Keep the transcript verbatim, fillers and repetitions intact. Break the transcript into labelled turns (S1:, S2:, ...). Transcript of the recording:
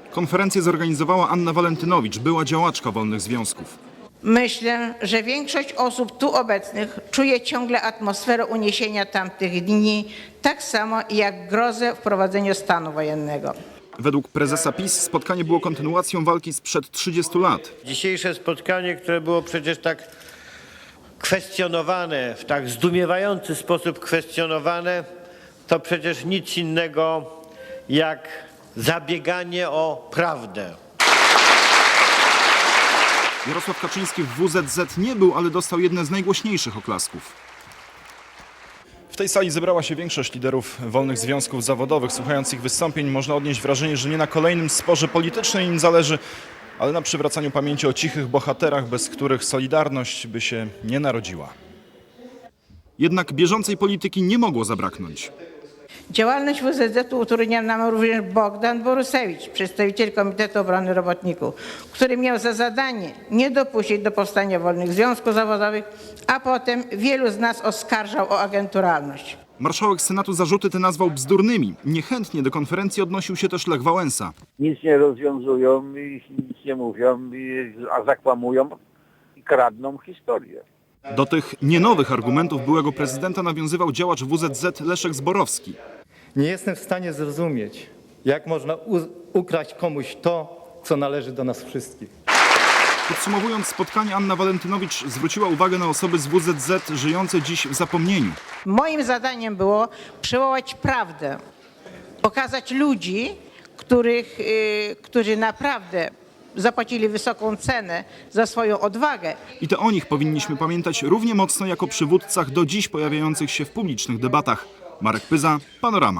S1: Konferencję zorganizowała Anna Walentynowicz, była działaczka wolnych związków.
S2: Myślę, że większość osób tu obecnych czuje ciągle atmosferę uniesienia tamtych dni, tak samo jak grozę wprowadzenia stanu wojennego.
S1: Według prezesa PiS spotkanie było kontynuacją walki sprzed trzydziestu lat.
S3: Dzisiejsze spotkanie, które było przecież tak kwestionowane, w tak zdumiewający sposób kwestionowane, to przecież nic innego jak zabieganie o prawdę.
S1: Jarosław Kaczyński w W Z Z nie był, ale dostał jedne z najgłośniejszych oklasków. W tej sali zebrała się większość liderów wolnych związków zawodowych. Słuchając ich wystąpień można odnieść wrażenie, że nie na kolejnym sporze politycznym im zależy, ale na przywracaniu pamięci o cichych bohaterach, bez których Solidarność by się nie narodziła. Jednak bieżącej polityki nie mogło zabraknąć.
S2: Działalność W Z Z utrudniał nam również Bogdan Borusewicz, przedstawiciel Komitetu Obrony Robotników, który miał za zadanie nie dopuścić do powstania wolnych związków zawodowych, a potem wielu z nas oskarżał o agenturalność.
S1: Marszałek Senatu zarzuty te nazwał bzdurnymi. Niechętnie do konferencji odnosił się też Lech Wałęsa.
S4: Nic nie rozwiązują i nic nie mówią, i, a zakłamują i kradną historię.
S1: Do tych nienowych argumentów byłego prezydenta nawiązywał działacz W Z Z Leszek Zborowski.
S5: Nie jestem w stanie zrozumieć, jak można ukraść komuś to, co należy do nas wszystkich.
S1: Podsumowując spotkanie, Anna Walentynowicz zwróciła uwagę na osoby z W Z Z żyjące dziś w zapomnieniu.
S2: Moim zadaniem było przywołać prawdę, pokazać ludzi, których, yy, którzy naprawdę zapłacili wysoką cenę za swoją odwagę.
S1: I to o nich powinniśmy pamiętać równie mocno jak o przywódcach do dziś pojawiających się w publicznych debatach. Marek Pyza, Panorama.